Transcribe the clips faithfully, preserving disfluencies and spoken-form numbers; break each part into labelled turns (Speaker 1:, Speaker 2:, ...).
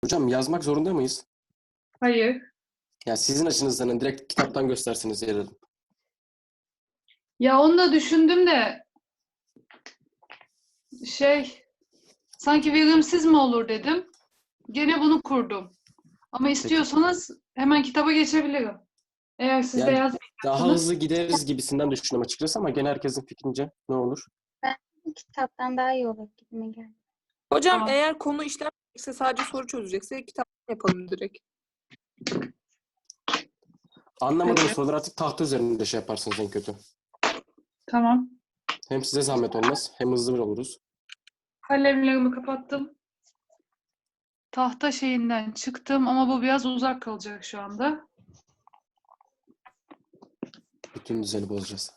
Speaker 1: Hocam yazmak zorunda mıyız?
Speaker 2: Hayır.
Speaker 1: Ya sizin açınızdan direkt kitaptan gösterseniz yer alın.
Speaker 2: Ya onu da düşündüm de şey sanki verimsiz mi olur dedim. Gene bunu kurdum. Ama
Speaker 1: Peki.
Speaker 2: istiyorsanız hemen kitaba geçebilirim. Eğer siz de
Speaker 1: Yani daha
Speaker 2: yazmayacaksınız.
Speaker 1: hızlı gideriz gibisinden düşünüyorum açıkçası ama gene herkesin fikrince ne olur?
Speaker 3: Ben kitaptan daha iyi olur gibime geldi.
Speaker 4: Hocam
Speaker 2: Tamam.
Speaker 4: eğer konu işlenmeyecekse sadece soru çözecekse kitap yapalım direkt.
Speaker 1: Anlamadığınız
Speaker 2: Peki.
Speaker 1: soruları artık tahta üzerinde şey yaparsınız en kötü.
Speaker 2: Tamam.
Speaker 1: Hem size zahmet olmaz hem hızlı oluruz.
Speaker 2: Kalemlerimi kapattım. Tahta şeyinden çıktım ama bu biraz uzak kalacak şu anda.
Speaker 1: Bütün düzeni bozacağız.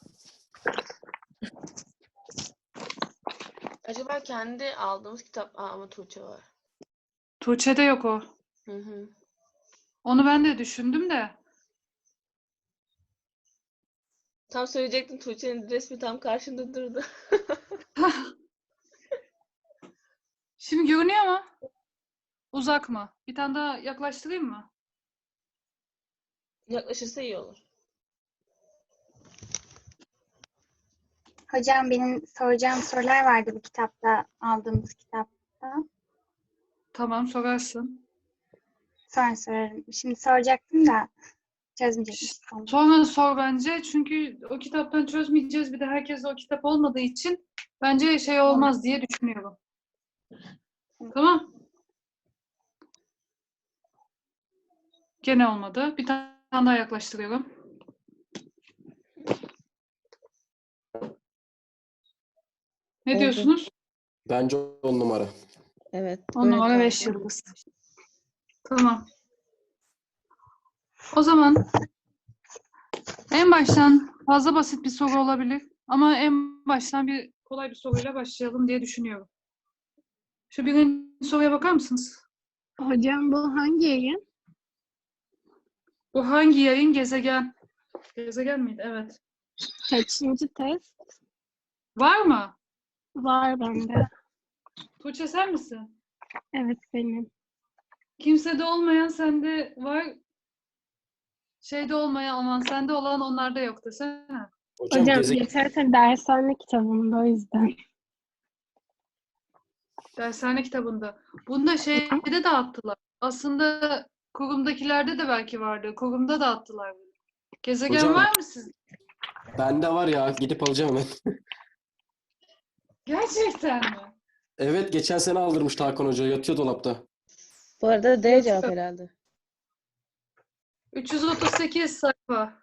Speaker 5: Acaba kendi aldığımız kitap Aa, ama Tuğçe var.
Speaker 2: Tuğçe'de yok o.
Speaker 5: Hı hı.
Speaker 2: Onu ben de düşündüm de.
Speaker 5: Tam söyleyecektim, Tuğçe'nin resmi tam karşında durdu.
Speaker 2: Şimdi görünüyor mu? Uzak mı? Bir tane daha yaklaştırayım mı?
Speaker 5: Yaklaşırsa iyi olur.
Speaker 3: Hocam benim soracağım sorular vardı bu kitapta, aldığımız kitapta.
Speaker 2: Tamam, sorarsın.
Speaker 3: Sonra sorarım. Şimdi soracaktım da çözmeyecekmişim.
Speaker 2: Sonra sor bence. Çünkü o kitaptan çözmeyeceğiz. Bir de herkes o kitap olmadığı için bence şey olmaz diye düşünüyorum. Tamam. Gene olmadı. Bir tane daha yaklaştırıyorum. Ne
Speaker 4: Oldu.
Speaker 2: diyorsunuz?
Speaker 1: Bence on numara.
Speaker 4: Evet.
Speaker 2: On
Speaker 4: böyle
Speaker 2: numara beş
Speaker 4: kaldı.
Speaker 2: yıldız. Tamam. O zaman en baştan fazla basit bir soru olabilir. Ama en baştan bir kolay bir soruyla başlayalım diye düşünüyorum. Şu birinci soruya bakar mısınız?
Speaker 6: Hocam bu hangi yayın?
Speaker 2: Bu hangi yayın? Gezegen. Gezegen miydi? Evet.
Speaker 6: Kaçıncı test?
Speaker 2: Var mı?
Speaker 6: Var bende.
Speaker 2: Tuğçe sen misin?
Speaker 6: Evet benim.
Speaker 2: Kimsede olmayan sende var. Şeyde olmayan aman sende olan onlarda yok desene.
Speaker 1: Hocam,
Speaker 6: Hocam
Speaker 1: gezegen
Speaker 6: geçen sene dershane kitabımda o yüzden.
Speaker 2: Dershane kitabında. Bunu da şeyde dağıttılar. Aslında kurumdakilerde de belki vardı. Kurumda dağıttılar bunu. Gezegen
Speaker 1: Hocam-
Speaker 2: var mı sizde?
Speaker 1: bende var ya, gidip alacağım hemen.
Speaker 2: Gerçekten mi?
Speaker 1: Evet, geçen sene aldırmış Hakan Hoca, yatıyor dolapta.
Speaker 4: Bu arada D cevap herhalde.
Speaker 2: üç yüz otuz sekiz sayfa.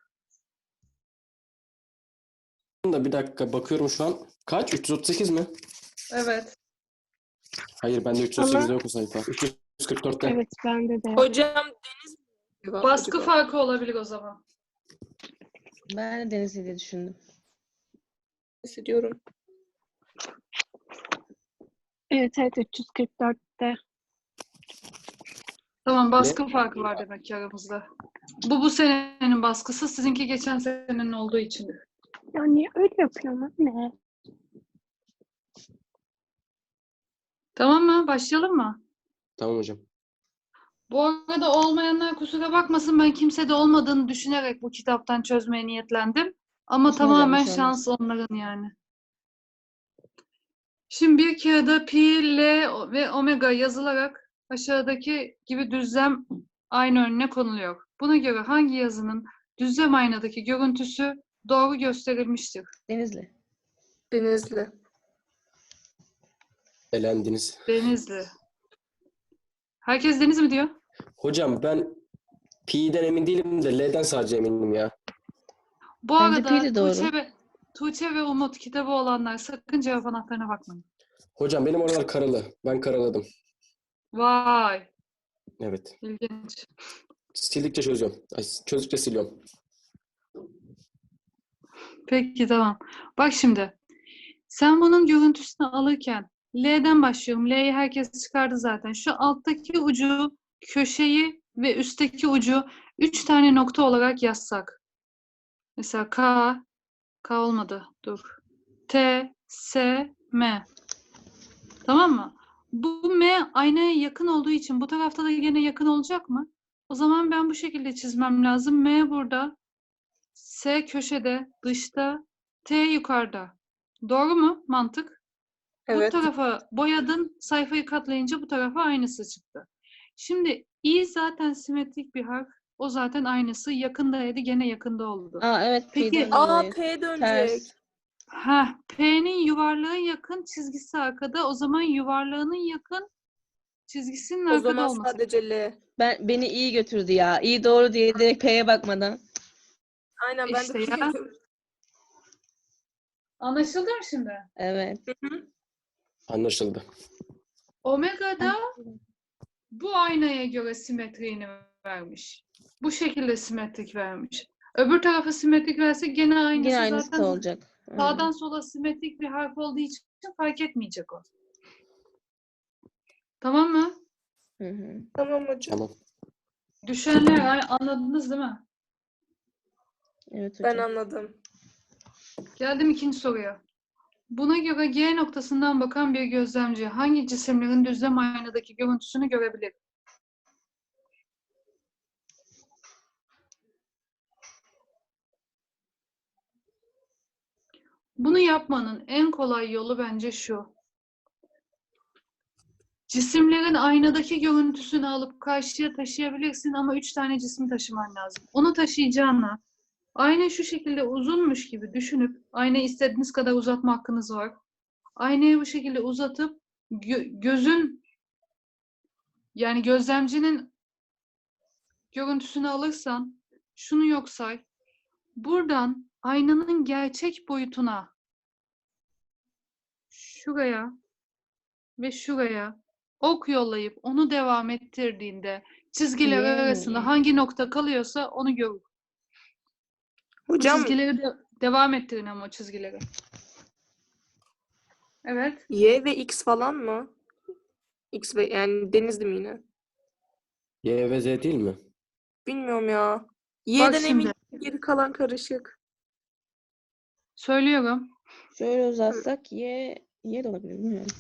Speaker 1: Da bir dakika bakıyorum şu an. Kaç? üç yüz otuz sekiz mi?
Speaker 2: Evet.
Speaker 1: Hayır, bende üç yüz otuz sekizde
Speaker 6: Ama-
Speaker 1: yok o sayfa. üç yüz kırk dörtte.
Speaker 6: Evet bende de.
Speaker 4: Hocam Deniz mi cevap
Speaker 2: Baskı
Speaker 4: acaba?
Speaker 2: farkı olabilir o zaman.
Speaker 4: Ben de Deniz'i diye düşündüm. Hissediyorum.
Speaker 6: Evet evet üç yüz kırk dörtte.
Speaker 2: Tamam, baskı farkı var demek ki aramızda. Bu bu senenin baskısı, sizinki geçen senenin olduğu için.
Speaker 6: Ya niye öyle yapıyorsun anne?
Speaker 2: Tamam mı? Başlayalım mı?
Speaker 1: Tamam hocam.
Speaker 2: Bu arada olmayanlar kusura bakmasın, ben kimsede olmadığını düşünerek bu kitaptan çözmeye niyetlendim. Ama
Speaker 4: Olsun hocam,
Speaker 2: tamamen
Speaker 4: bir şey olmaz.
Speaker 2: şans onların yani. Şimdi bir kağıda pi, l ve omega yazılarak aşağıdaki gibi düzlem ayna önüne konuluyor. Buna göre hangi yazının düzlem aynadaki görüntüsü doğru gösterilmiştir?
Speaker 4: Denizli.
Speaker 5: Denizli.
Speaker 1: Elendiniz.
Speaker 2: Denizli. Herkes Deniz mi diyor?
Speaker 1: Hocam ben Pi'den emin değilim de L'den sadece eminim ya.
Speaker 2: Bu
Speaker 4: Bence pi
Speaker 2: arada
Speaker 4: de doğru.
Speaker 2: Tuğçe ve, Tuğçe ve Umut kitabı olanlar sakın cevap anahtarına bakmayın.
Speaker 1: Hocam benim oralar karalı. Ben karaladım.
Speaker 2: Vay,
Speaker 1: Evet.
Speaker 2: ilginç.
Speaker 1: Sildikçe çözüyorum. Ay, çözdükçe siliyorum.
Speaker 2: Peki tamam. Bak şimdi. Sen bunun görüntüsünü alırken L'den başlıyorum. L'yi herkes çıkardı zaten. Şu alttaki ucu, köşeyi ve üstteki ucu üç tane nokta olarak yazsak. Mesela K, K olmadı. Dur. T, S, M. Tamam mı? Bu M aynaya yakın olduğu için bu tarafta da yine yakın olacak mı? O zaman ben bu şekilde çizmem lazım. M burada, S köşede, dışta, T yukarıda. Doğru mu mantık?
Speaker 4: Evet.
Speaker 2: Bu tarafa boyadın, sayfayı katlayınca bu tarafa aynısı çıktı. Şimdi I zaten simetrik bir harf. O zaten aynısı. Yakındaydı, gene yakında oldu.
Speaker 7: Aa evet
Speaker 2: Peki,
Speaker 7: P'den
Speaker 4: Aa
Speaker 7: dolayı.
Speaker 4: P dönecek.
Speaker 7: Ters.
Speaker 2: Ha, P'nin yuvarlığı yakın, çizgisi arkada. O zaman yuvarlağının yakın, çizgisinin
Speaker 4: O
Speaker 2: arkada
Speaker 4: zaman
Speaker 2: olması.
Speaker 4: sadece L.
Speaker 7: Ben beni iyi götürdü ya. İyi doğru diye direkt P'ye bakmadan.
Speaker 4: Aynen ben
Speaker 2: İşte
Speaker 4: de
Speaker 2: ya.
Speaker 4: biliyorum.
Speaker 2: Anlaşıldı mı şimdi?
Speaker 7: Evet.
Speaker 1: Anlaşıldı.
Speaker 2: Omega'da bu aynaya göre simetriğini vermiş. Bu şekilde simetrik vermiş. Öbür tarafa simetrik verse gene aynısı,
Speaker 7: Yine aynısı
Speaker 2: zaten
Speaker 7: da olacak.
Speaker 2: sağdan sola simetrik bir harf olduğu için fark etmeyecek o. Tamam mı?
Speaker 7: Hı hı.
Speaker 4: Tamam hocam.
Speaker 1: Tamam.
Speaker 2: Düşenler ay- anladınız değil mi?
Speaker 7: Evet
Speaker 4: Ben
Speaker 7: hocam.
Speaker 4: anladım.
Speaker 2: Geldim ikinci soruya. Buna göre G noktasından bakan bir gözlemci hangi cisimlerin düzlem aynadaki görüntüsünü görebilir? Bunu yapmanın en kolay yolu bence şu. Cisimlerin aynadaki görüntüsünü alıp karşıya taşıyabilirsin ama üç tane cismi taşıman lazım. Onu taşıyacağına ayna şu şekilde uzunmuş gibi düşünüp, aynayı istediğiniz kadar uzatma hakkınız var. Aynayı bu şekilde uzatıp gö- gözün, yani gözlemcinin görüntüsünü alırsan, şunu yok say. Buradan aynanın gerçek boyutuna, şuraya ve şuraya ok yollayıp onu devam ettirdiğinde çizgiler
Speaker 7: Yani.
Speaker 2: arasında hangi nokta kalıyorsa onu görür. Bu
Speaker 4: Hocam
Speaker 2: çizgileri de devam ettirin ama o çizgileri. Evet.
Speaker 4: Y ve X falan mı? X ve yani Denizli mi yine?
Speaker 1: Y ve Z değil mi?
Speaker 4: Bilmiyorum ya. Y'den
Speaker 2: şimdi.
Speaker 4: emin, geri kalan karışık.
Speaker 2: Söylüyorum.
Speaker 7: Şöyle uzatsak Y, Y de olabilir bilmiyorum.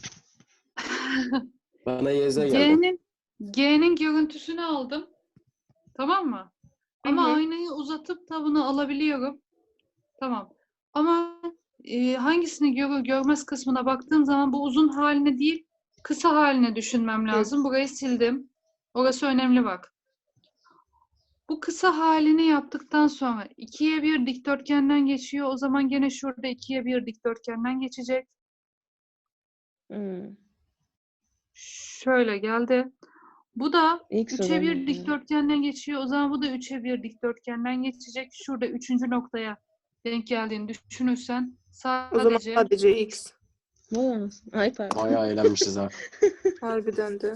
Speaker 1: Bana Y Z geldi.
Speaker 2: G'nin G'nin görüntüsünü aldım. Tamam mı? Ama
Speaker 4: Hı hı.
Speaker 2: aynayı uzatıp da bunu alabiliyorum. Tamam. Ama e, hangisini görür görmez kısmına baktığım zaman bu uzun haline değil, kısa haline düşünmem lazım. Burayı sildim. Orası önemli bak. Bu kısa halini yaptıktan sonra ikiye bir dikdörtgenden geçiyor. O zaman gene şurada ikiye bir dikdörtgenden geçecek.
Speaker 7: Hmm.
Speaker 2: Şöyle geldi. Bu da
Speaker 7: X
Speaker 2: üçe
Speaker 7: olan
Speaker 2: bir
Speaker 7: yani.
Speaker 2: dikdörtgenden geçiyor. O zaman bu da üçe bir dikdörtgenden geçecek. Şurada üçüncü noktaya denk geldiğini düşünürsen
Speaker 4: O zaman
Speaker 2: sadece
Speaker 4: sadece X.
Speaker 7: Ne olmasın? Ay pardon.
Speaker 1: Bayağı eğlenmişiz ha.
Speaker 4: Harbiden de.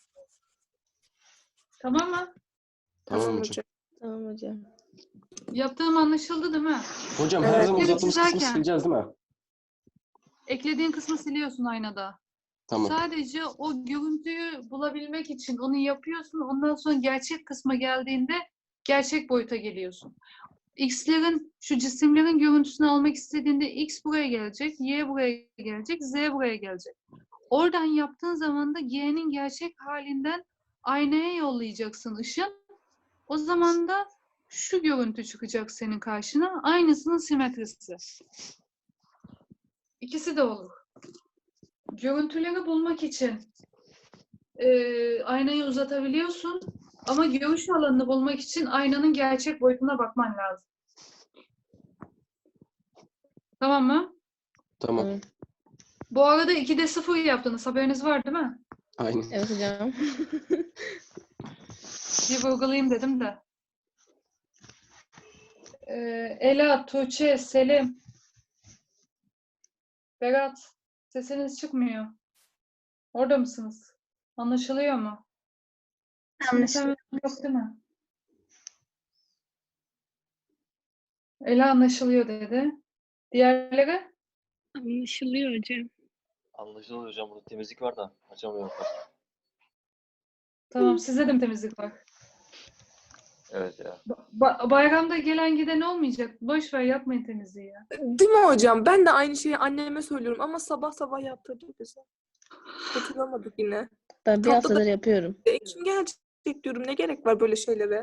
Speaker 2: tamam mı?
Speaker 1: Tamam
Speaker 4: Tamam
Speaker 1: hocam.
Speaker 4: hocam.
Speaker 7: Tamam hocam.
Speaker 2: Yaptığım anlaşıldı değil mi?
Speaker 1: Hocam her
Speaker 4: Evet.
Speaker 1: zaman
Speaker 2: Geri
Speaker 1: uzattığımız kısmı
Speaker 2: çizerken-
Speaker 1: sileceğiz değil mi?
Speaker 2: Eklediğin kısmı siliyorsun aynada.
Speaker 1: Tamam.
Speaker 2: Sadece o görüntüyü bulabilmek için onu yapıyorsun. Ondan sonra gerçek kısma geldiğinde gerçek boyuta geliyorsun. X'lerin, şu cisimlerin görüntüsünü almak istediğinde X buraya gelecek, Y buraya gelecek, Z buraya gelecek. Oradan yaptığın zaman da G'nin gerçek halinden aynaya yollayacaksın ışın. O zaman da şu görüntü çıkacak senin karşına. Aynısının simetrisi. İkisi de olur. Görüntüleri bulmak için e, aynayı uzatabiliyorsun ama görüş alanını bulmak için aynanın gerçek boyutuna bakman lazım. Tamam mı?
Speaker 1: Tamam.
Speaker 7: Tamam.
Speaker 2: Bu arada ikide sıfır yaptınız. Haberiniz var değil mi?
Speaker 1: Aynen.
Speaker 7: Evet hocam.
Speaker 2: Bir vurgulayayım dedim de. Ee, Ela, Tuğçe, Selim, Berat, sesiniz çıkmıyor. Orada mısınız? Anlaşılıyor mu?
Speaker 3: Anlaşılıyor.
Speaker 2: Yok değil mi? Ela anlaşılıyor dedi. Diğerleri?
Speaker 6: Anlaşılıyor hocam.
Speaker 8: Anlaşılıyor hocam. Burada temizlik var da açamıyorum.
Speaker 2: Tamam, sizde de mi temizlik var?
Speaker 8: Evet ya.
Speaker 2: Ba- bayramda gelen giden olmayacak. Boş ver, yapmayın temizliği ya.
Speaker 4: Değil mi hocam? Ben de aynı şeyi anneme söylüyorum ama sabah sabah yaptırdı bize. Kurtulamadık yine.
Speaker 7: Ben bir
Speaker 4: Tatlı da-
Speaker 7: haftadır yapıyorum.
Speaker 4: E, kim gelecek diyorum. Ne gerek var böyle şeylere?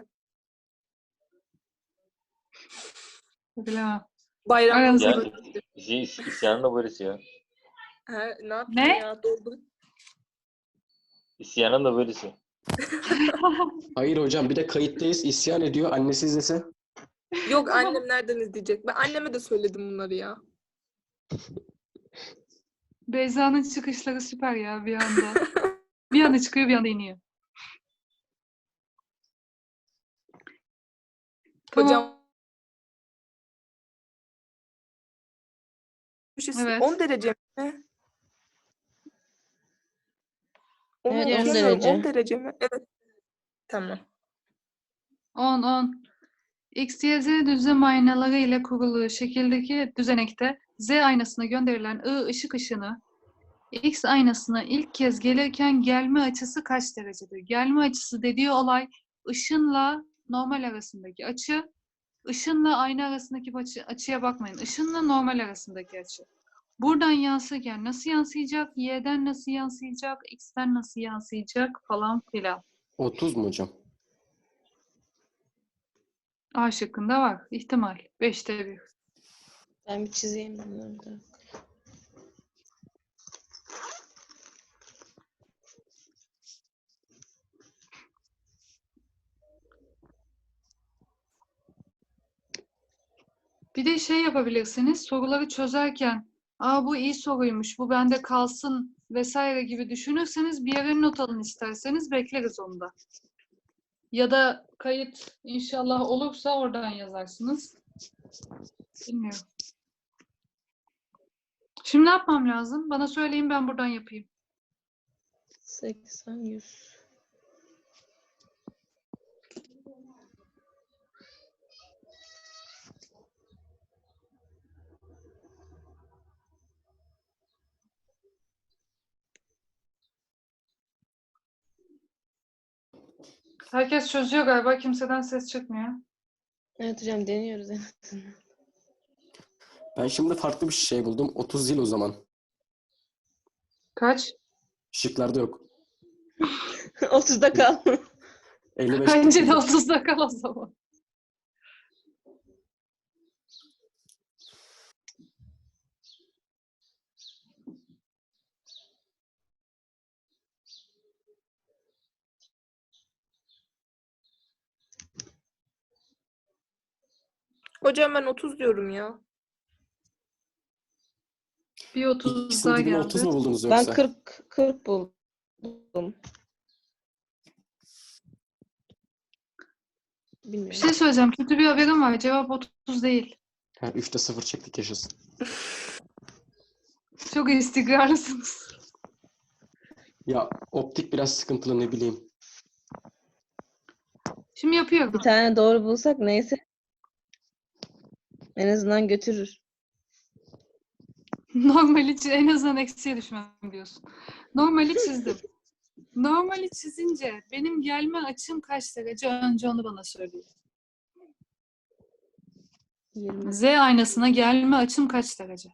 Speaker 2: Bilemem.
Speaker 4: Bayramda
Speaker 2: Aranızda
Speaker 8: Ya
Speaker 2: böyle-
Speaker 8: is- is- isyanın da böylesi ya.
Speaker 4: Ha, ne yapayım
Speaker 2: Ne?
Speaker 4: ya? Doldu.
Speaker 8: İsyanın da böylesi.
Speaker 1: Hayır hocam bir de kayıttayız isyan ediyor. Annesi izlese.
Speaker 4: Yok annem nereden izleyecek? Ben anneme de söyledim bunları ya.
Speaker 2: Beyza'nın çıkışları süper ya bir anda. Bir anda çıkıyor bir anda iniyor.
Speaker 4: Hocam
Speaker 2: Tamam. Evet.
Speaker 4: on derece mi? Onu
Speaker 7: Evet, on
Speaker 4: okuyamıyorum.
Speaker 7: derece.
Speaker 4: on derece mi? Evet. Tamam.
Speaker 2: on on. X, Y, Z düzlem aynaları ile kurulu şekildeki düzenekte Z aynasına gönderilen I ışık ışını X aynasına ilk kez gelirken gelme açısı kaç derecedir? Gelme açısı dediği olay ışınla normal arasındaki açı. Işınla ayna arasındaki açı, açıya bakmayın. Işınla normal arasındaki açı. Buradan yansırken nasıl yansıyacak? Y'den nasıl yansıyacak? X'ten nasıl yansıyacak? Falan filan.
Speaker 1: otuz mu hocam?
Speaker 2: A şıkkında var. İhtimal. Beşte bir.
Speaker 7: Ben bir çizeyim bunları da.
Speaker 2: Bir de şey yapabilirsiniz. Soruları çözerken aa bu iyi soruymuş, bu bende kalsın vesaire gibi düşünürseniz bir yere not alın isterseniz bekleriz onu da. Ya da kayıt inşallah olursa oradan yazarsınız. Bilmiyorum. Şimdi ne yapmam lazım? Bana söyleyin ben buradan yapayım.
Speaker 7: seksen, yüz.
Speaker 2: Herkes çözüyor galiba. Kimseden ses çıkmıyor.
Speaker 7: Evet hocam deniyoruz en azından.
Speaker 1: Ben şimdi farklı bir şey buldum. otuz yıl o zaman.
Speaker 2: Kaç?
Speaker 1: Şıklarda yok.
Speaker 7: otuzda kal.
Speaker 1: elli beş.
Speaker 2: Bence de otuzda kal o zaman.
Speaker 4: Hocam ben otuz diyorum ya.
Speaker 2: Bir otuz
Speaker 1: İkisinin
Speaker 2: daha
Speaker 1: dibine otuz
Speaker 2: geldi.
Speaker 1: mu buldunuz
Speaker 7: Ben
Speaker 1: yoksa?
Speaker 7: kırk, kırk buldum.
Speaker 2: Bir
Speaker 7: Bilmiyorum.
Speaker 2: şey söyleyeceğim. Kötü bir haberim var. Cevap otuz değil.
Speaker 1: Ha, üçte sıfır çektik yaşasın.
Speaker 2: Çok istikrarlısınız.
Speaker 1: Ya optik biraz sıkıntılı ne bileyim.
Speaker 2: Şimdi yapıyorum.
Speaker 7: Bir tane doğru bulsak neyse. En azından götürür.
Speaker 2: Normali çiz- en azından eksiye düşmem diyorsun. Normali çizdim. Normali çizince benim gelme açım kaç derece? Önce onu bana söyleyin.
Speaker 7: yirmi.
Speaker 2: Z aynasına gelme açım kaç derece?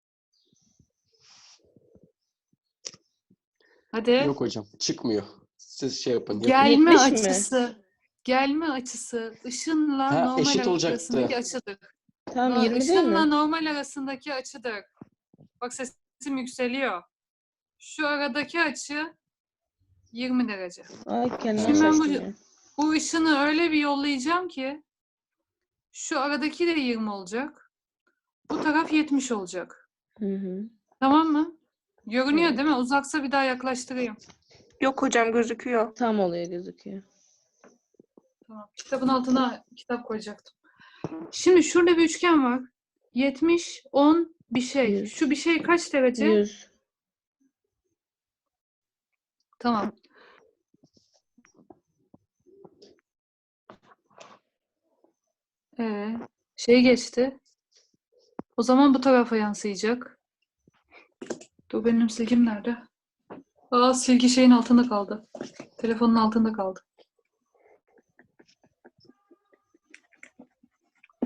Speaker 2: Hadi.
Speaker 1: Yok hocam çıkmıyor. Siz şey yapın. yapın.
Speaker 2: Gelme
Speaker 7: yetmiş mi?
Speaker 2: açısı. Gelme açısı ışınla
Speaker 1: Ha,
Speaker 2: normal
Speaker 1: eşit olacaktı.
Speaker 2: arasındaki açıdır.
Speaker 7: Tamam
Speaker 2: No-
Speaker 7: yirmi değil
Speaker 2: Işınla
Speaker 7: mi?
Speaker 2: normal arasındaki açıdır. Bak sesim yükseliyor. Şu aradaki açı yirmi derece.
Speaker 7: Ay kendime
Speaker 1: Şimdi ben
Speaker 7: şaştım
Speaker 2: bu-
Speaker 7: ya.
Speaker 2: Bu ışını öyle bir yollayacağım ki şu aradaki de yirmi olacak. Bu taraf yetmiş olacak.
Speaker 7: Hı hı.
Speaker 2: Tamam mı? Görünüyor
Speaker 7: Evet.
Speaker 2: değil mi? Uzaksa bir daha yaklaştırayım.
Speaker 4: Yok hocam gözüküyor.
Speaker 7: Tam oluyor gözüküyor.
Speaker 2: Tamam. Kitabın altına kitap koyacaktım. Şimdi şurada bir üçgen var. yetmiş, on bir şey.
Speaker 7: Yüz.
Speaker 2: Şu bir şey kaç derece?
Speaker 7: yüz.
Speaker 2: Tamam. Ee, şey geçti. O zaman bu tarafa yansıyacak. Dur benim silgim nerede? Aa silgi şeyin altında kaldı. Telefonun altında kaldı.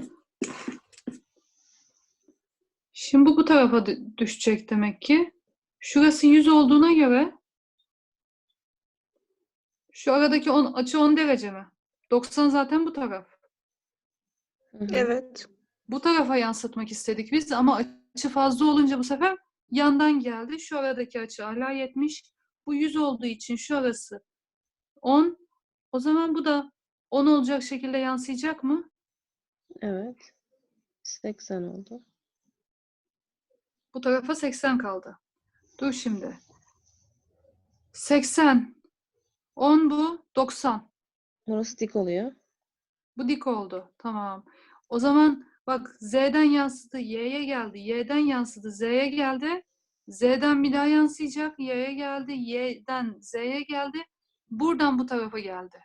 Speaker 2: Şimdi bu bu tarafa dü- düşecek demek ki. Şurası yüz olduğuna göre şu aradaki on, açı on derece mi? doksan zaten bu taraf.
Speaker 7: Hı hı.
Speaker 4: Evet.
Speaker 2: Bu tarafa yansıtmak istedik biz ama açı fazla olunca bu sefer yandan geldi. Şu aradaki açı hala yetmiş. Bu yüz olduğu için şu arası on. O zaman bu da on olacak şekilde yansıyacak mı?
Speaker 7: Evet. seksen oldu.
Speaker 2: Bu tarafa seksen kaldı. Dur şimdi. seksen. on bu. doksan.
Speaker 7: Burası dik oluyor.
Speaker 2: Bu dik oldu. Tamam. O zaman bak Z'den yansıdı. Y'ye geldi. Y'den yansıdı. Z'ye geldi. Z'den bir daha yansıyacak. Y'ye geldi. Y'den Z'ye geldi. Buradan bu tarafa geldi.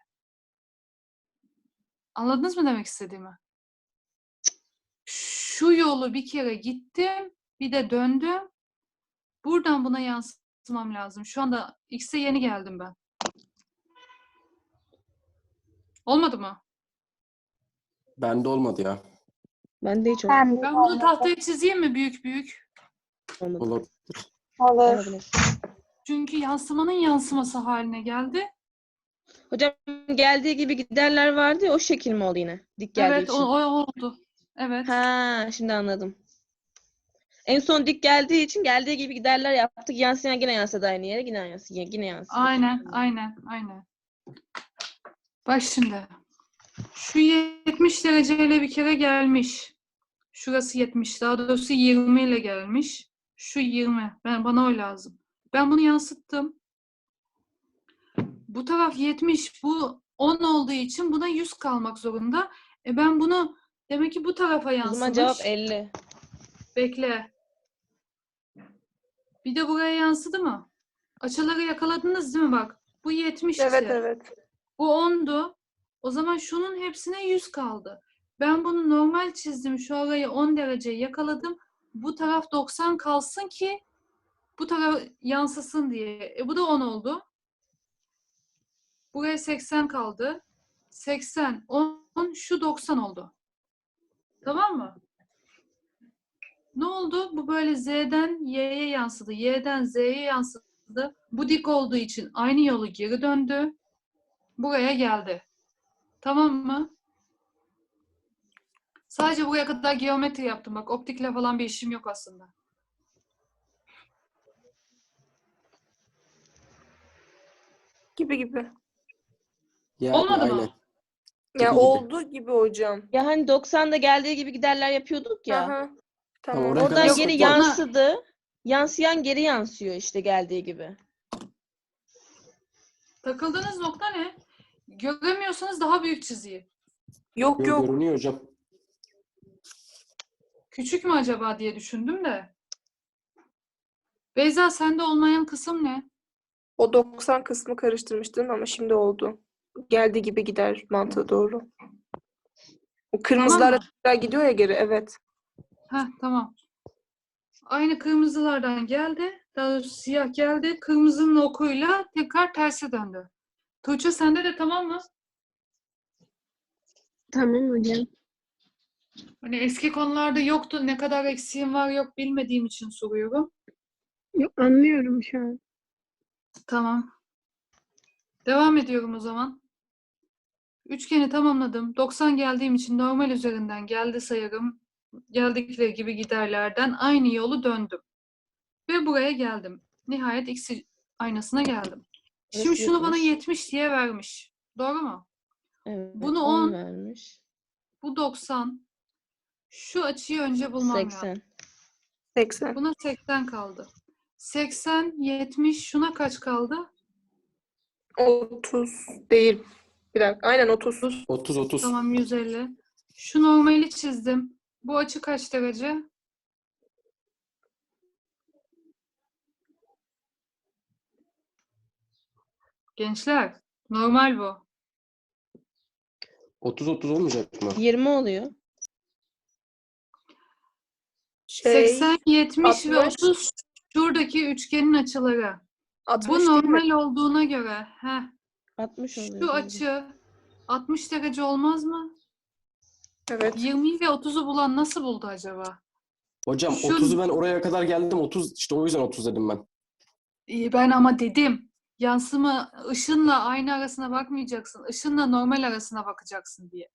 Speaker 2: Anladınız mı demek istediğimi? Şu yolu bir kere gittim. Bir de döndüm. Buradan buna yansıtmam lazım. Şu anda X'e yeni geldim ben. Olmadı mı?
Speaker 1: Bende olmadı ya.
Speaker 7: Ben de hiç
Speaker 3: Ben de
Speaker 2: Ben bunu tahtaya çizeyim mi büyük büyük?
Speaker 7: olmadı.
Speaker 1: Olur.
Speaker 3: olur.
Speaker 7: Olabilir.
Speaker 2: Çünkü yansımanın yansıması haline geldi.
Speaker 7: Hocam geldiği gibi giderler vardı ya, o şekil mi oldu yine? Dik geldiği
Speaker 2: Evet, o,
Speaker 7: için.
Speaker 2: o oldu. Evet.
Speaker 7: Ha, şimdi anladım. En son dik geldiği için geldiği gibi giderler yaptık. Yansıyan yine yansıdı aynı yere. Yine yansıyor. Yine yansıyor.
Speaker 2: Aynen, aynen, aynen. Bak şimdi. Şu yetmiş dereceyle bir kere gelmiş. Şurası yetmiş. Daha doğrusu yirmi ile gelmiş. Şu yirmi. Ben, bana o lazım. Ben bunu yansıttım. Bu taraf yetmiş. Bu on olduğu için buna yüz kalmak zorunda. E ben bunu demek ki bu tarafa
Speaker 7: O
Speaker 2: yansımış.
Speaker 7: zaman cevap elli.
Speaker 2: Bekle. Bir de buraya yansıdı mı? Açıları yakaladınız değil mi bak? Bu yetmişti.
Speaker 4: Evet evet.
Speaker 2: Bu ondu. O zaman şunun hepsine yüz kaldı. Ben bunu normal çizdim. Şu arayı on derece yakaladım. Bu taraf doksan kalsın ki bu taraf yansısın diye. E bu da on oldu. Buraya seksen kaldı. seksen, on, şu doksan oldu. Tamam mı? Ne oldu? Bu böyle Z'den Y'ye yansıdı. Y'den Z'ye yansıdı. Bu dik olduğu için aynı yolu geri döndü. Buraya geldi. Tamam mı? Sadece buraya kadar geometri yaptım. Bak optikle falan bir işim yok aslında.
Speaker 4: Gibi gibi.
Speaker 1: Yani
Speaker 2: Olmadı
Speaker 1: aynen.
Speaker 2: mı?
Speaker 4: Ya
Speaker 1: gibi.
Speaker 4: oldu gibi hocam.
Speaker 7: Ya hani doksanda geldiği gibi giderler yapıyorduk ya.
Speaker 4: Aha.
Speaker 1: Tamam,
Speaker 4: Tamam.
Speaker 1: oraya kadar
Speaker 7: Oradan
Speaker 2: Yok,
Speaker 7: geri
Speaker 1: sıkıntı yok.
Speaker 7: yansıdı. Yansıyan geri yansıyor işte geldiği gibi.
Speaker 2: Takıldığınız nokta ne? Göremiyorsanız daha büyük çizeyim.
Speaker 4: Yok
Speaker 1: Yo,
Speaker 4: yok.
Speaker 1: görünüyor hocam.
Speaker 2: Küçük mü acaba diye düşündüm de. Beyza sende olmayan kısım ne?
Speaker 4: O doksan kısmı karıştırmıştın ama şimdi oldu. Geldiği gibi gider mantığı doğru. O kırmızılarla
Speaker 2: mı?
Speaker 4: tekrar gidiyor ya geri. Evet.
Speaker 2: Heh, tamam. Aynı kırmızılardan geldi. Daha doğrusu siyah geldi. Kırmızının okuyla tekrar terse döndü. Tuğçe sende de tamam mı?
Speaker 6: Tamam hocam.
Speaker 2: Hani eski konularda yoktu. Ne kadar eksiğim var yok bilmediğim için soruyorum.
Speaker 6: Yok, anlıyorum şu an.
Speaker 2: Tamam. Devam ediyorum o zaman. Üçgeni tamamladım. doksan geldiğim için normal üzerinden geldi sayarım. Geldikleri gibi giderlerden aynı yolu döndüm. Ve buraya geldim. Nihayet X aynasına geldim. Şimdi
Speaker 7: Burası
Speaker 2: şunu bana
Speaker 7: yetmiş.
Speaker 2: yetmiş diye vermiş. Doğru mu?
Speaker 7: Evet.
Speaker 2: Bunu
Speaker 7: on
Speaker 2: on,
Speaker 7: vermiş.
Speaker 2: bu doksan. Şu açıyı önce bulmam lazım.
Speaker 7: seksen.
Speaker 4: seksen.
Speaker 2: Buna seksen kaldı. seksen, yetmiş. Şuna kaç kaldı?
Speaker 4: otuz değil. Bir dakika. Aynen otuz.
Speaker 1: otuz otuz.
Speaker 2: Tamam yüz elli. Şu normali çizdim. Bu açı kaç derece? Gençler, normal bu.
Speaker 1: otuz otuz olmayacak mı?
Speaker 7: yirmi oluyor.
Speaker 4: Şey,
Speaker 2: seksen, yetmiş ve
Speaker 4: altmış.
Speaker 2: otuz şuradaki üçgenin açıları.
Speaker 4: altmış
Speaker 2: Bu
Speaker 4: değil mi?
Speaker 2: normal olduğuna göre heh,
Speaker 7: altmış oluyor.
Speaker 2: şu
Speaker 7: bence.
Speaker 2: açı altmış derece olmaz mı?
Speaker 4: Evet.
Speaker 2: yirmi ve otuzu bulan nasıl buldu acaba?
Speaker 1: Hocam
Speaker 2: Şu-
Speaker 1: otuzu ben oraya kadar geldim. otuz işte o yüzden otuz dedim ben.
Speaker 2: İyi, ben ama dedim. Yansıma ışınla ayna arasına bakmayacaksın. Işınla normal arasına bakacaksın diye.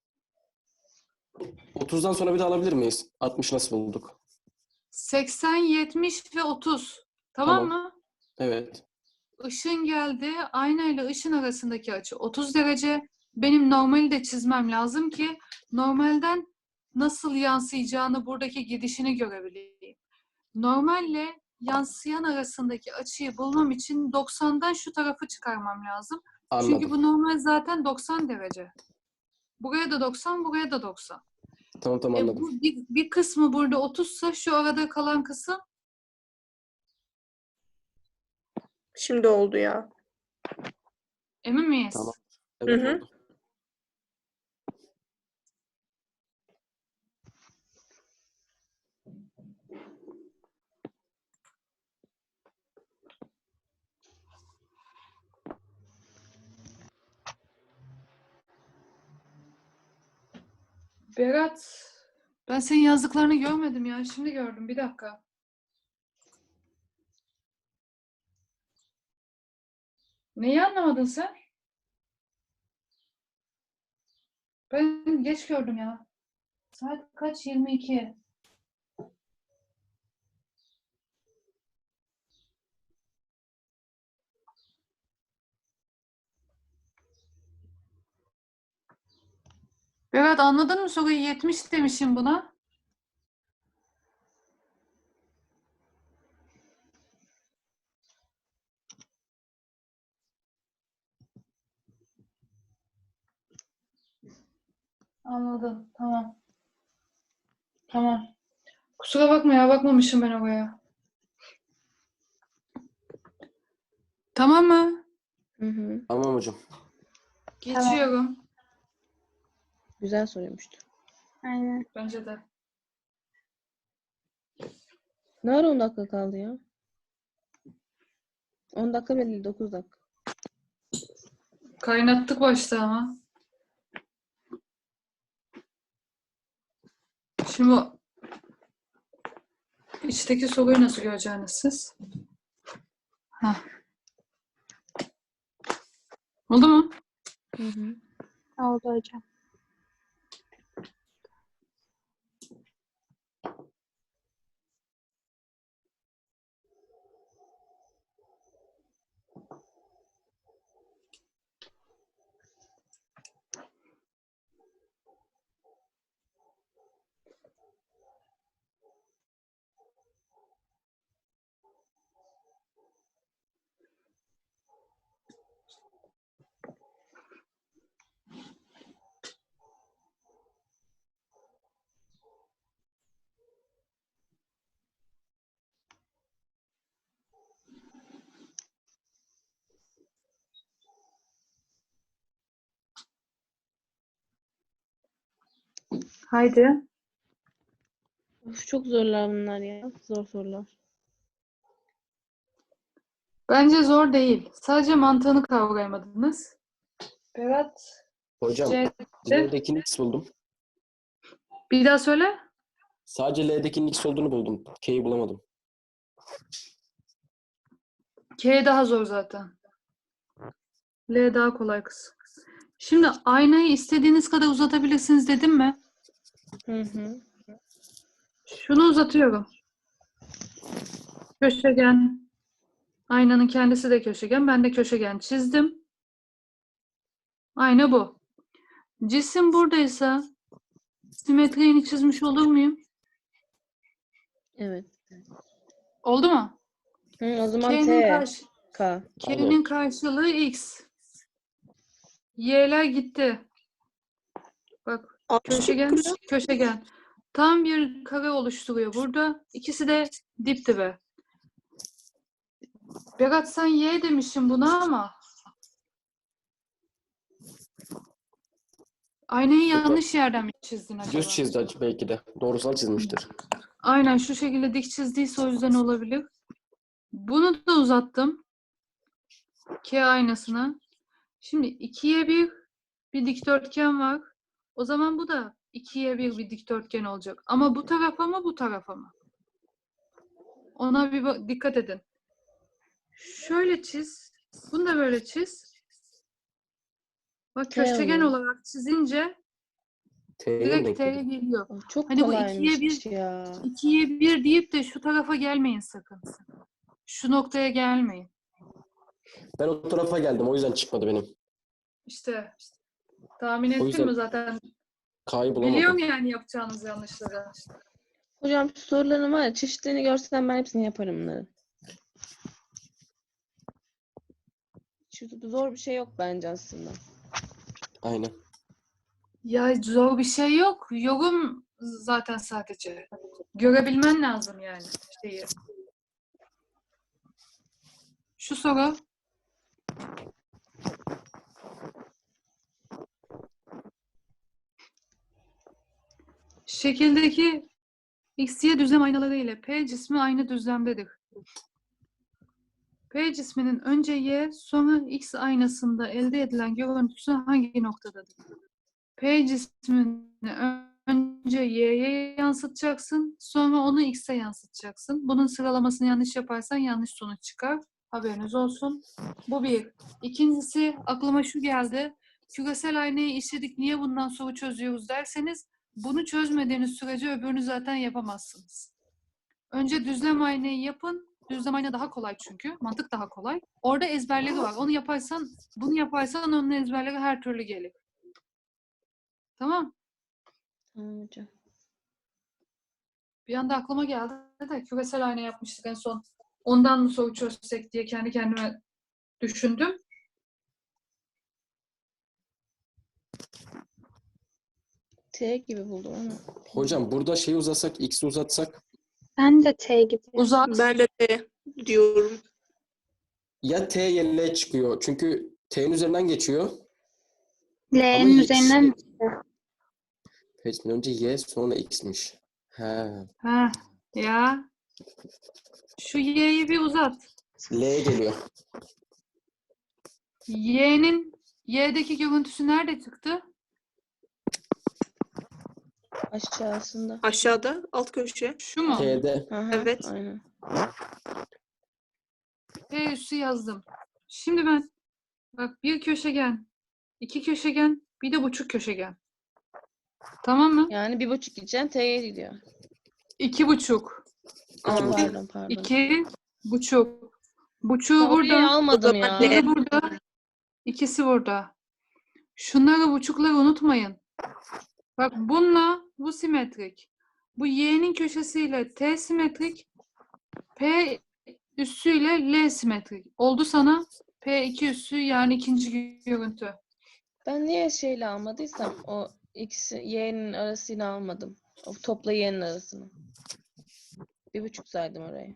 Speaker 1: otuzdan sonra bir daha alabilir miyiz? altmış nasıl bulduk?
Speaker 2: seksen, yetmiş ve otuz. Tamam,
Speaker 1: Tamam.
Speaker 2: mı?
Speaker 1: Evet.
Speaker 2: Işın geldi. Aynayla ışın arasındaki açı otuz derece. Benim normali de çizmem lazım ki normalden nasıl yansıyacağını, buradaki gidişini görebileyim. Normalle yansıyan arasındaki açıyı bulmam için doksandan şu tarafı çıkarmam lazım. Çünkü
Speaker 1: Anladım.
Speaker 2: bu normal zaten doksan derece. Buraya da doksan, buraya da doksan.
Speaker 1: Tamam tamam
Speaker 2: E
Speaker 1: anladım.
Speaker 2: bu bir, bir kısmı burada otuzsa şu arada kalan kısım
Speaker 4: Şimdi oldu ya.
Speaker 2: emin miyiz?
Speaker 1: Tamam.
Speaker 4: Hı
Speaker 1: Evet
Speaker 4: hı.
Speaker 1: oldu.
Speaker 2: Berat, ben senin yazdıklarını görmedim ya. Şimdi gördüm. Bir dakika. Neyi anlamadın sen? Ben geç gördüm ya. Saat kaç? yirmi iki. Berat, anladın mı soruyu? yetmiş demişim buna. Anladım. Tamam. Tamam. Kusura bakma ya. Bakmamışım ben oraya. Tamam mı?
Speaker 7: Hı hı.
Speaker 1: Tamam hocam.
Speaker 2: Geçiyorum.
Speaker 7: Güzel soruymuştu.
Speaker 3: Aynen.
Speaker 2: Bence de.
Speaker 7: Ne ara on dakika kaldı ya? on dakika bile değil, dokuz dakika.
Speaker 2: Kaynattık başta ama. Şimdi bu içteki soruyu nasıl göreceksiniz siz? Heh. Oldu mu?
Speaker 7: Hı hı.
Speaker 3: Oldu hocam.
Speaker 2: Haydi.
Speaker 7: Of, çok zorlar bunlar ya. Zor sorular.
Speaker 2: Bence zor değil. Sadece mantığını kavrayamadınız. Berat.
Speaker 1: Hocam
Speaker 2: C'de.
Speaker 1: L'dekinin X buldum.
Speaker 2: Bir daha söyle.
Speaker 1: Sadece L'dekinin X olduğunu buldum. K'yi bulamadım.
Speaker 2: K daha zor zaten. L daha kolay kız. Şimdi aynayı istediğiniz kadar uzatabilirsiniz dedim mi?
Speaker 7: Hı hı.
Speaker 2: Şunu uzatıyorum. Köşegen. Aynanın kendisi de köşegen. Ben de köşegen çizdim. Ayna bu. Cisim buradaysa simetriğini çizmiş olur muyum?
Speaker 7: Evet.
Speaker 2: Oldu mu?
Speaker 7: Hı, o zaman
Speaker 2: K'nin
Speaker 7: T.
Speaker 2: karşı
Speaker 7: K.
Speaker 2: K'nin karşılığı X. Y'ler gitti. Bak, köşegen, köşegen. Tam bir kare oluşturuyor burada. İkisi de dip dibe. Berat, sen Y demişsin buna ama aynayı yanlış yerden mi çizdin acaba?
Speaker 1: Düz çizdi acı belki de. Doğrusal çizmiştir.
Speaker 2: Aynen şu şekilde dik çizdiyse o yüzden olabilir. Bunu da uzattım. K aynasına. Şimdi ikiye bir bir dikdörtgen var. O zaman bu da ikiye bir bir dikdörtgen olacak. Ama bu tarafa mı bu tarafa mı? Ona bir bak- dikkat edin. Şöyle çiz. Bunu da böyle çiz. Bak
Speaker 7: T
Speaker 2: köşegen
Speaker 7: oluyor.
Speaker 2: olarak çizince
Speaker 1: T'ye mi
Speaker 2: direkt
Speaker 1: denk
Speaker 2: T'ye
Speaker 1: geliyor?
Speaker 2: geliyor.
Speaker 7: Oh, çok
Speaker 2: Hani bu
Speaker 7: kolaymış
Speaker 2: ikiye bir
Speaker 7: ya.
Speaker 2: ikiye bir deyip de şu tarafa gelmeyin sakın. Şu noktaya gelmeyin.
Speaker 1: Ben o tarafa geldim. O yüzden çıkmadı benim.
Speaker 2: İşte tahmin
Speaker 1: O
Speaker 2: ettin
Speaker 1: yüzden
Speaker 2: mi zaten?
Speaker 1: K'yı
Speaker 2: Biliyorum
Speaker 1: bulamadım.
Speaker 2: yani yapacağınız yanlışları.
Speaker 7: Hocam şu soruların var ya çeşitlerini görsem ben hepsini yaparım bunların. Şu zor bir şey yok bence aslında.
Speaker 1: Aynen.
Speaker 2: Ya zor bir şey yok. Yorum zaten sadece. Görebilmen lazım yani şeyi. Şu soru. Şekildeki X, Y düzlem aynaları ile P cismi aynı düzlemdedir. P cisminin önce Y, sonra X aynasında elde edilen görüntüsü hangi noktadadır? P cismini ö- önce Y'ye yansıtacaksın, sonra onu X'e yansıtacaksın. Bunun sıralamasını yanlış yaparsan yanlış sonuç çıkar. Haberiniz olsun. Bu bir. İkincisi, aklıma şu geldi. Küresel aynayı işledik, niye bundan soru çözüyoruz derseniz, bunu çözmediğiniz sürece öbürünü zaten yapamazsınız. Önce düzlem aynayı yapın. Düzlem ayna daha kolay çünkü. Mantık daha kolay. Orada ezberleri var. Onu yaparsan, bunu yaparsan onun ezberleri her türlü gelir. Tamam.
Speaker 7: Tamam hocam.
Speaker 2: Bir anda aklıma geldi de küresel ayna yapmıştık en son. Ondan mı soru çözsek diye kendi kendime düşündüm.
Speaker 7: T gibi buldum ama.
Speaker 1: Hocam burada şeyi uzatsak, X'i uzatsak
Speaker 3: Ben de T gibi.
Speaker 2: Uzat.
Speaker 4: Ben de T diyorum.
Speaker 1: ya T ya L çıkıyor. Çünkü T'nin üzerinden geçiyor.
Speaker 3: L'nin
Speaker 1: y-
Speaker 3: üzerinden mi çıktı?
Speaker 1: Peki, önce Y sonra X'miş. He.
Speaker 2: Ha, ya. Şu Y'yi bir uzat.
Speaker 1: L geliyor.
Speaker 2: Y'nin Y'deki görüntüsü nerede çıktı?
Speaker 7: Aşağısında.
Speaker 4: Aşağıda alt köşe.
Speaker 2: Şu mu?
Speaker 1: T'de.
Speaker 7: Aha,
Speaker 4: Evet.
Speaker 7: Aynen.
Speaker 2: P üssü yazdım. Şimdi ben bak bir köşegen, iki köşegen, bir de buçuk köşegen. Tamam mı?
Speaker 7: Yani bir buçuk gideceğim T'ye gidiyor.
Speaker 2: İki buçuk.
Speaker 7: Aa,
Speaker 1: buçuk.
Speaker 7: pardon pardon.
Speaker 2: İki buçuk. Buçuğu
Speaker 7: Ben orayı
Speaker 2: burada.
Speaker 7: almadım
Speaker 4: O
Speaker 7: ya.
Speaker 4: zaman
Speaker 2: Biri burada. İkisi burada. Şunları buçukları unutmayın. Bak bununla bu simetrik. Bu Y'nin köşesiyle T simetrik. P üssüyle L simetrik. Oldu sana P iki üssü yani ikinci görüntü.
Speaker 7: Ben niye şeyle almadıysam o X, Y'nin arasını almadım. O topla Y'nin arasını. Bir buçuk saydım orayı.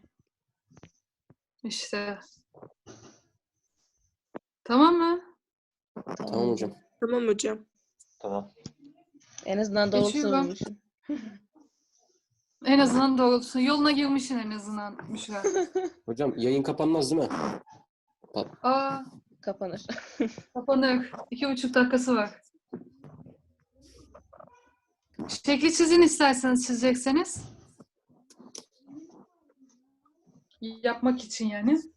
Speaker 2: İşte. Tamam mı?
Speaker 1: Tamam hocam.
Speaker 4: Tamam hocam.
Speaker 8: Tamam.
Speaker 7: En azından doğrusunu
Speaker 2: Geçiyorum.
Speaker 7: bulmuşum.
Speaker 2: En azından doğrusu. Yoluna girmişsin en azından Müşra.
Speaker 1: Hocam yayın kapanmaz değil mi?
Speaker 2: Aa,
Speaker 7: Kapanır.
Speaker 2: kapanır. İki buçuk dakikası var. Şekli çizin isterseniz çizecekseniz. Yapmak için yani.